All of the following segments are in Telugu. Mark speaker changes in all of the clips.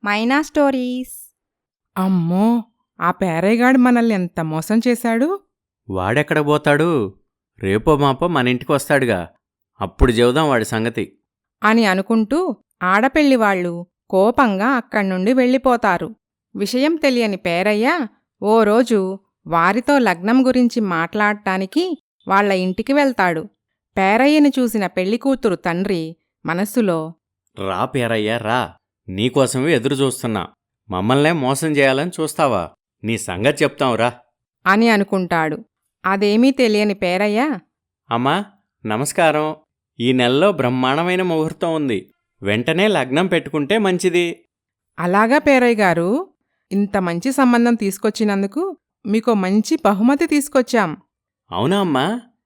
Speaker 1: మైనా స్టోరీస్.
Speaker 2: అమ్మో! ఆ పేరయ్యగాడు మనల్ని ఎంత మోసం చేశాడు.
Speaker 3: వాడెక్కడ పోతాడు? రేపో మాపో మనింటికొస్తాడుగా, అప్పుడు చెబుదాం వాడి సంగతి
Speaker 2: అని అనుకుంటూ ఆడపెళ్లివాళ్లు కోపంగా అక్కడ్నుండి వెళ్ళిపోతారు. విషయం తెలియని పేరయ్య ఓ రోజు వారితో లగ్నం గురించి మాట్లాడ్డానికి వాళ్ల ఇంటికి వెళ్తాడు. పేరయ్యని చూసిన పెళ్లికూతురు తండ్రి మనస్సులో,
Speaker 3: రా పేరయ్యా రా, నీకోసమే ఎదురుచూస్తున్నా. మమ్మల్నే మోసం చేయాలని చూస్తావా? నీ సంగతి చెప్తాంరా
Speaker 2: అని అనుకుంటాడు. అదేమీ తెలియని పేరయ్య,
Speaker 3: అమ్మా నమస్కారం. ఈ నెలలో బ్రహ్మాండమైన ముహూర్తం ఉంది, వెంటనే లగ్నం పెట్టుకుంటే మంచిది.
Speaker 2: అలాగా పేరయ్యగారు, ఇంత మంచి సంబంధం తీసుకొచ్చినందుకు మీకో మంచి బహుమతి తీసుకొచ్చాం.
Speaker 3: అవునా అమ్మా?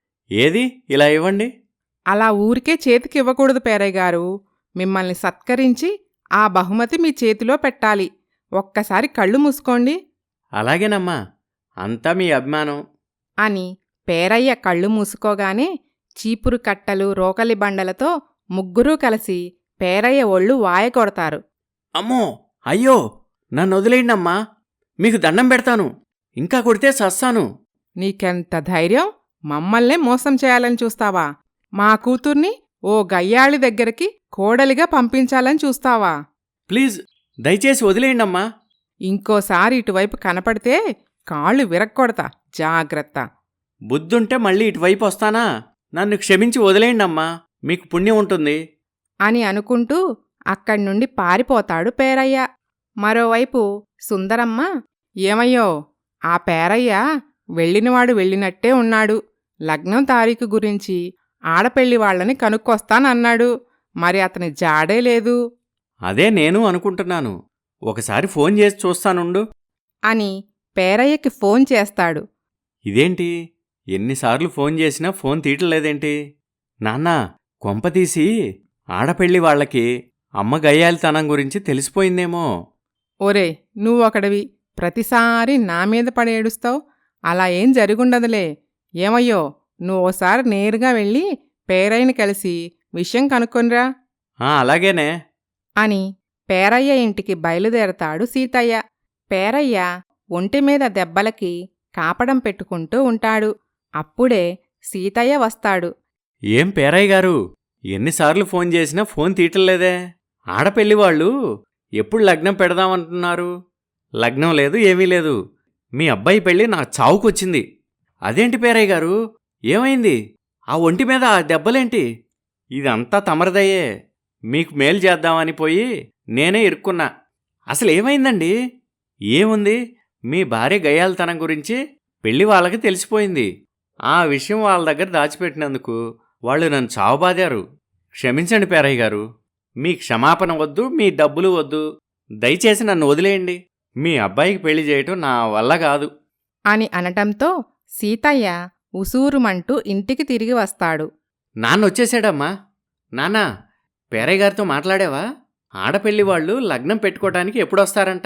Speaker 3: ఏది ఇలా ఇవ్వండి.
Speaker 2: అలా ఊరికే చేతికివ్వకూడదు పేరయ్యగారు, మిమ్మల్ని సత్కరించి ఆ బహుమతి మీ చేతిలో పెట్టాలి. ఒక్కసారి కళ్ళు మూసుకోండి
Speaker 3: అలాగేనమ్మా, అంతా మీ అభిమానం.
Speaker 2: అని పేరయ్య కళ్ళు మూసుకోగానే చీపురు కట్టలు రోకలి బండలతో ముగ్గురూ కలిసి పేరయ్య ఒళ్ళు వాయకొడతారు.
Speaker 3: అమ్మో అయ్యో, నన్ను వదిలేయండమ్మా, మీకు దండం పెడతాను. ఇంకా కొడితే సస్తాను.
Speaker 2: నీకెంత ధైర్యం? మమ్మల్నే మోసం చేయాలని చూస్తావా? మా కూతుర్ని ఓ గయ్యాళి దగ్గరికి కోడలిగా పంపించాలని చూస్తావా?
Speaker 3: ప్లీజ్ దయచేసి వదిలేయండమ్మా.
Speaker 2: ఇంకోసారి ఇటువైపు కనపడితే కాళ్ళు విరక్కొడతా, జాగ్రత్త.
Speaker 3: బుద్ధుంటే మళ్ళీ ఇటువైపు వస్తానా? నన్ను క్షమించి వదిలేయండమ్మా, మీకు పుణ్యం ఉంటుంది.
Speaker 2: అని అనుకుంటూ అక్కడ్నుండి పారిపోతాడు పేరయ్య. మరోవైపు సుందరమ్మ, ఏమయ్యో, ఆ పేరయ్య వెళ్ళినవాడు వెళ్ళినట్టే ఉన్నాడు. లగ్నం తారీఖు గురించి ఆడపెళ్లివాళ్లని కనుక్కొస్తానన్నాడు. మరి అతని జాడే లేదు
Speaker 3: అదే నేను అనుకుంటున్నాను. ఒకసారి ఫోన్ చేసి చూస్తానుండు
Speaker 2: అని పేరయ్యకి ఫోన్ చేస్తాడు.
Speaker 3: ఇదేంటి, ఎన్నిసార్లు ఫోన్ చేసినా ఫోన్ తీయట్లేదేంటి? నాన్నా, కొంపతీసి ఆడపెళ్లి వాళ్లకి అమ్మ గయ్యాలితనం గురించి తెలిసిపోయిందేమో.
Speaker 2: ఒరే, నువ్వొకడివి, ప్రతిసారి నా మీద పడేడుస్తావు. అలా ఏం జరుగుండదులే. ఏమయ్యో, నువ్వోసారి నేరుగా వెళ్ళి పేరయ్యని కలిసి విషయం కనుక్కొనిరా
Speaker 3: అలాగేనే
Speaker 2: అని పేరయ్య ఇంటికి బయలుదేరతాడు సీతయ్య. పేరయ్య ఒంటిమీద దెబ్బలకి కాపడం పెట్టుకుంటూ ఉంటాడు. అప్పుడే సీతయ్య వస్తాడు.
Speaker 3: ఏం పేరయ్య గారు, ఎన్నిసార్లు ఫోన్ చేసినా ఫోన్ తీయట్లేదే? ఆడపెళ్లివాళ్ళు ఎప్పుడు లగ్నం పెడదామంటున్నారు? లగ్నం లేదు, ఏమీ లేదు. మీ అబ్బాయి పెళ్ళి నా చావుకొచ్చింది. అదేంటి పేరయ్య గారు, ఏమైంది? ఆ ఒంటి మీద ఆ దెబ్బలేంటి? ఇదంతా తమరదయ్యే. మీకు మేలు చేద్దామని పోయి నేనే ఇరుక్కున్నా. అసలేమైందండి? ఏముంది, మీ భార్య గయ్యాలితనం గురించి పెళ్లి వాళ్ళకి తెలిసిపోయింది. ఆ విషయం వాళ్ళ దగ్గర దాచిపెట్టినందుకు వాళ్ళు నన్ను చావబాదారు. క్షమించండి పేరయ్య గారు, మీ క్షమాపణ వద్దు, మీ డబ్బులు వద్దు. దయచేసి నన్ను వదిలేయండి. మీ అబ్బాయికి పెళ్లి చేయటం నా వల్ల కాదు
Speaker 2: అని అనటంతో సీతయ్య ఉసూరుమంటూ ఇంటికి తిరిగి వస్తాడు.
Speaker 3: నాన్నొచ్చేశాడమ్మా. నాన్నా, పేరయ్య గారితో మాట్లాడావా? ఆడపెళ్లి వాళ్ళు లగ్నం పెట్టుకోవటానికి ఎప్పుడొస్తారంట?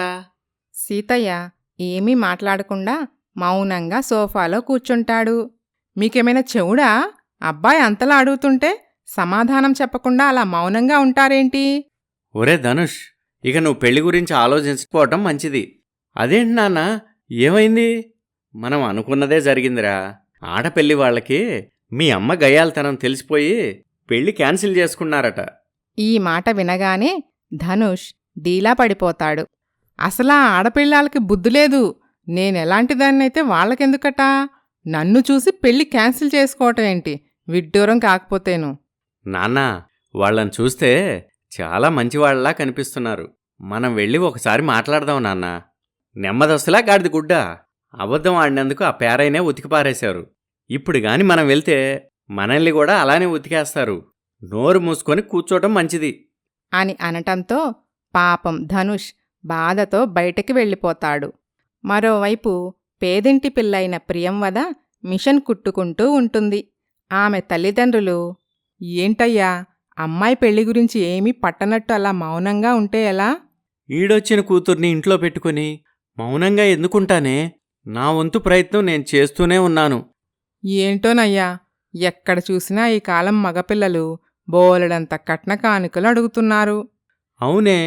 Speaker 2: సీతయ్య ఏమీ మాట్లాడకుండా మౌనంగా సోఫాలో కూర్చుంటాడు. మీకేమైనా చెవుడా? అబ్బాయి అంతలా అడుగుతుంటే సమాధానం చెప్పకుండా అలా మౌనంగా ఉంటారేంటి?
Speaker 3: ఒరే ధనుష్, ఇక నువ్వు పెళ్లి గురించి ఆలోచించుకోవటం మంచిది. అదేంటి నాన్న, ఏమైంది? మనం అనుకున్నదే జరిగిందిరా. ఆడపెళ్లి వాళ్ళకి మీ అమ్మ గయ్యాలితనం తెలిసిపోయి పెళ్లి క్యాన్సిల్ చేసుకున్నారట.
Speaker 2: ఈ మాట వినగానే ధనుష్ డీలా పడిపోతాడు. అసలా ఆడపిల్లాలకి బుద్ధులేదు. నేనెలాంటిదాన్నైతే వాళ్ళకెందుకట? నన్ను చూసి పెళ్లి క్యాన్సిల్ చేసుకోవటం ఏంటి? విడ్డూరం కాకపోతేను.
Speaker 3: నాన్నా, వాళ్ళని చూస్తే చాలా మంచివాళ్లా కనిపిస్తున్నారు. మనం వెళ్ళి ఒకసారి మాట్లాడదాం నాన్నా. నెమ్మదస్తులా గాడిద గుడ్డ. అబద్ధం ఆడినందుకు ఆ పేరైనే ఉతికిపారేశారు. ఇప్పుడు గాని మనం వెళ్తే మనల్ని కూడా అలానే ఉతికేస్తారు. నోరు మూసుకొని కూర్చోటం మంచిది
Speaker 2: అని అనటంతో పాపం ధనుష్ బాధతో బయటికి వెళ్ళిపోతాడు. మరోవైపు పేదింటి పిల్లైన ప్రియంవద మిషన్ కుట్టుకుంటూ ఉంటుంది. ఆమె తల్లిదండ్రులు, ఏంటయ్యా, అమ్మాయి పెళ్లి గురించి ఏమీ పట్టనట్టు అలా మౌనంగా ఉంటే ఎలా?
Speaker 3: ఈడొచ్చిన కూతుర్ని ఇంట్లో పెట్టుకుని మౌనంగా ఎందుకుంటానే? నా వంతు ప్రయత్నం నేను చేస్తూనే ఉన్నాను.
Speaker 2: ఏంటోనయ్యా, ఎక్కడ చూసినా ఈ కాలం మగపిల్లలు బోలెడంత కట్న కానుకలు అడుగుతున్నారు.
Speaker 3: అవునే,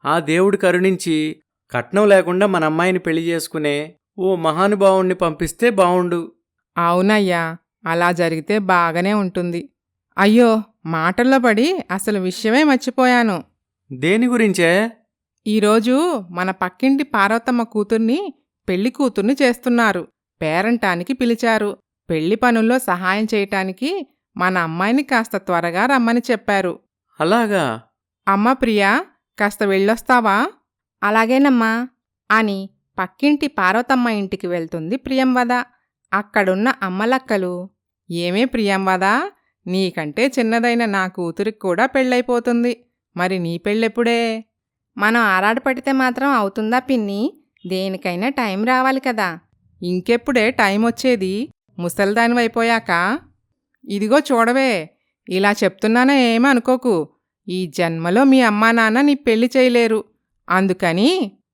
Speaker 3: ఆ దేవుడు కరుణించి కట్నం లేకుండా మన అమ్మాయిని పెళ్లి చేసుకునే ఓ మహానుభావుణ్ణి పంపిస్తే బావుండు.
Speaker 2: అవునయ్యా, అలా జరిగితే బాగానే ఉంటుంది. అయ్యో, మాటల్లో పడి అసలు విషయమే మర్చిపోయాను.
Speaker 3: దేని గురించే?
Speaker 2: ఈరోజు మన పక్కింటి పార్వతమ్మ కూతుర్ని పెళ్లి కూతుర్ని చేస్తున్నారు. పేరంటానికి పిలిచారు. పెళ్లి పనుల్లో సహాయం చేయటానికి మన అమ్మాయిని కాస్త త్వరగా రమ్మని చెప్పారు.
Speaker 3: అలాగా?
Speaker 2: అమ్మ ప్రియా, కాస్త వెళ్ళొస్తావా? అలాగేనమ్మా అని పక్కింటి పార్వతమ్మ ఇంటికి వెళ్తుంది ప్రియంవద. అక్కడున్న అమ్మలక్కలు, ఏమే ప్రియంవద, నీకంటే చిన్నదైన నా కూతురికి కూడా పెళ్ళైపోతుంది. మరి నీ పెళ్ళెప్పుడే? మనం ఆరాటపడితే మాత్రం అవుతుందా పిన్ని? దేనికైనా టైం రావాలి కదా. ఇంకెప్పుడే టైం వచ్చేది? ముసల్దానివైపోయాక. ఇదిగో చూడవే, ఇలా చెప్తున్నానా ఏమీ అనుకోకు. ఈ జన్మలో మీ అమ్మా నాన్న నీ పెళ్లి చేయలేరు. అందుకని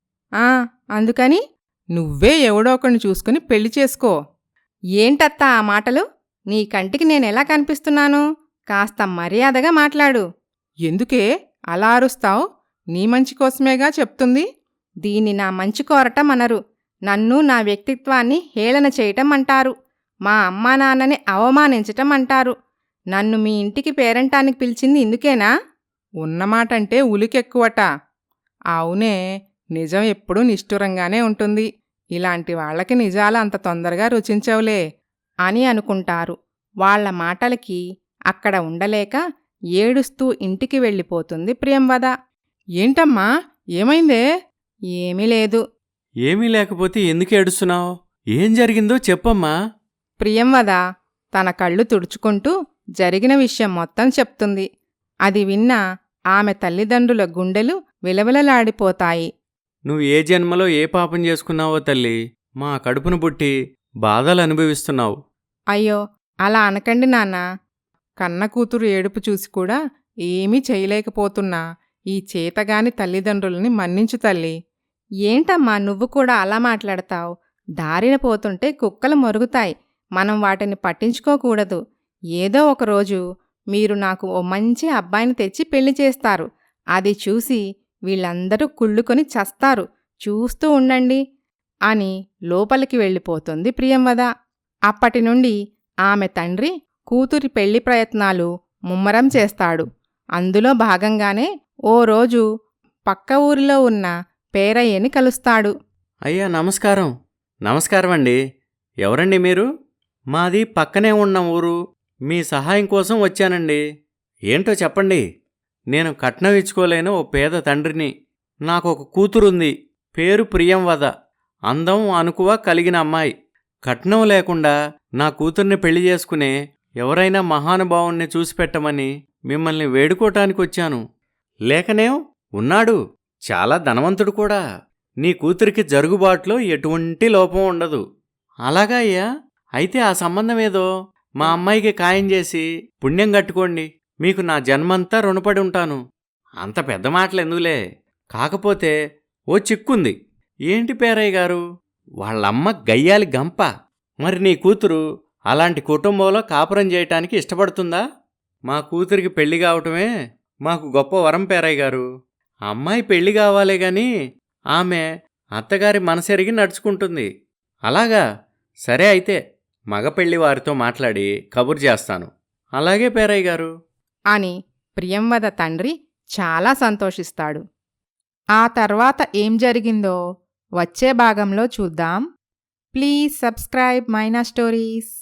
Speaker 2: అందుకని నువ్వే ఎవడో ఒకరిని చూసుకుని పెళ్లి చేసుకో. ఏంటత్తా ఆ మాటలు? నీ కంటికి నేనెలా కనిపిస్తున్నాను? కాస్త మర్యాదగా మాట్లాడు. ఎందుకే అలా అరుస్తావు? నీ మంచి కోసమేగా చెప్తుంది. దీన్ని నా మంచి కోరటం అనరు. నన్ను, నా వ్యక్తిత్వాన్ని హేళన చేయటం అంటారు. మా అమ్మా నాన్నని అవమానించటం అంటారు. నన్ను మీ ఇంటికి పేరంటానికి పిలిచింది ఇందుకేనా? ఉన్నమాటంటే ఉలికెక్కువట. అవునే, నిజం ఎప్పుడూ నిష్ఠురంగానే ఉంటుంది. ఇలాంటి వాళ్లకి నిజాలు అంత తొందరగా రుచించవులే అని అనుకుంటారు. వాళ్ల మాటలకి అక్కడ ఉండలేక ఏడుస్తూ ఇంటికి వెళ్ళిపోతుంది ప్రియంవద. ఏంటమ్మా, ఏమైందే? ఏమీ లేదు.
Speaker 3: ఏమీ లేకపోతే ఎందుకు ఏడుస్తున్నావు? ఏం జరిగిందో చెప్పమ్మా.
Speaker 2: ప్రియంవద తన కళ్ళు తుడుచుకుంటూ జరిగిన విషయం మొత్తం చెప్తుంది. అది విన్న ఆమె తల్లిదండ్రుల గుండెలు విలవిలలాడిపోతాయి.
Speaker 3: నువ్వు ఏ జన్మలో ఏ పాపం చేసుకున్నావో తల్లి, మా కడుపును పుట్టి బాధలు అనుభవిస్తున్నావు.
Speaker 2: అయ్యో, అలా అనకండి నాన్నా. కన్న కూతురు ఏడుపు చూసి కూడా ఏమీ చేయలేకపోతున్నా ఈ చేతగాని తల్లిదండ్రులని మన్నించు తల్లి. ఏంటమ్మా నువ్వు కూడా అలా మాట్లాడతావు? దారిన పోతుంటే కుక్కలు మొరుగుతాయి. మనం వాటిని పట్టించుకోకూడదు. ఏదో ఒకరోజు మీరు నాకు ఓ మంచి అబ్బాయిని తెచ్చి పెళ్లి చేస్తారు. అది చూసి వీళ్ళందరూ కుళ్ళుకొని చస్తారు. చూస్తూ ఉండండి అని లోపలికి వెళ్ళిపోతుంది ప్రియంవద. అప్పటినుండి ఆమె తండ్రి కూతురి పెళ్లి ప్రయత్నాలు ముమ్మరం చేస్తాడు. అందులో భాగంగానే ఓ రోజు పక్క ఊరిలో ఉన్న పేరయ్యని కలుస్తాడు.
Speaker 3: అయ్యా నమస్కారం. నమస్కారం అండి. ఎవరండి మీరు? మాది పక్కనే ఉన్న ఊరు. మీ సహాయం కోసం వచ్చానండి. ఏంటో చెప్పండి. నేను కట్నం ఇచ్చుకోలేని ఓ పేద తండ్రిని. నాకొక కూతురుంది. పేరు ప్రియంవద. అందం అనుకువ కలిగిన అమ్మాయి. కట్నం లేకుండా నా కూతుర్ని పెళ్లి చేసుకునే ఎవరైనా మహానుభావుణ్ణి చూసిపెట్టమని మిమ్మల్ని వేడుకోటానికొచ్చాను. లేకనేం ఉన్నాడు, చాలా ధనవంతుడు కూడా. నీ కూతురికి జరుగుబాట్లో ఎటువంటి లోపం ఉండదు. అలాగా అయ్యా? అయితే ఆ సంబంధమేదో మా అమ్మాయికి ఖాయం చేసి పుణ్యం కట్టుకోండి. మీకు నా జన్మంతా రుణపడి ఉంటాను. అంత పెద్ద మాటలెందుకులే. కాకపోతే ఓ చిక్కుంది. ఏంటి పేరయ్య గారు? వాళ్ళమ్మ గయ్యాలి గంప. మరి నీ కూతురు అలాంటి కుటుంబంలో కాపురం చేయటానికి ఇష్టపడుతుందా? మా కూతురికి పెళ్లి కావటమే మాకు గొప్ప వరం పేరయ్య గారు. అమ్మాయి పెళ్లి కావాలే గాని ఆమె అత్తగారి మనసెరిగి నడుచుకుంటుంది. అలాగా? సరే అయితే మగ పెళ్లి వారితో మాట్లాడి కబురు చేస్తాను. అలాగే పేరయ్య గారు
Speaker 2: అని ప్రియంవద తండ్రి చాలా సంతోషిస్తాడు. ఆ తర్వాత ఏం జరిగిందో వచ్చే భాగంలో చూద్దాం. Please subscribe Maina stories.